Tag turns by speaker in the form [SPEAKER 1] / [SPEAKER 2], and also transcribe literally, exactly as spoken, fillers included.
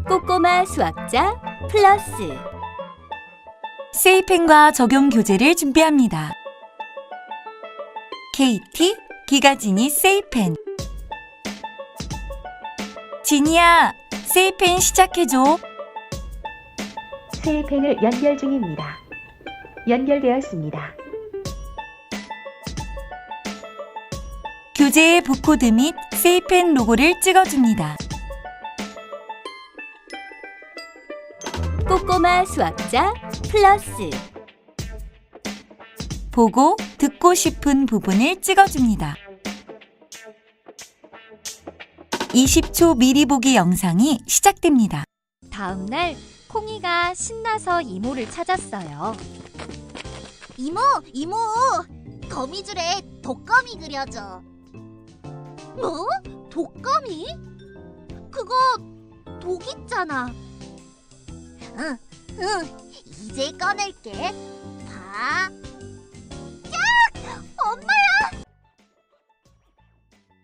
[SPEAKER 1] 꼬꼬마 수학자 플러스
[SPEAKER 2] 세이펜과 적용 교재를 준비합니다. 케이티 기가지니 세이펜. 지니야, 세이펜 시작해줘.
[SPEAKER 3] 세이펜을 연결 중입니다. 연결되었습니다.
[SPEAKER 2] 교재의 부코드 및 세이펜 로고를 찍어줍니다.
[SPEAKER 1] 꼬꼬마 수학자 플러스
[SPEAKER 2] 보고 듣고 싶은 부분을 찍어줍니다. 이십 초 미리 보기 영상이 시작됩니다.
[SPEAKER 1] 다음 날 콩이가 신나서 이모를 찾았어요.
[SPEAKER 4] 이모, 이모! 거미줄에 독거미 그려줘. 뭐? 독거미? 그거 독 있잖아. 응, 응, 이제 꺼낼게.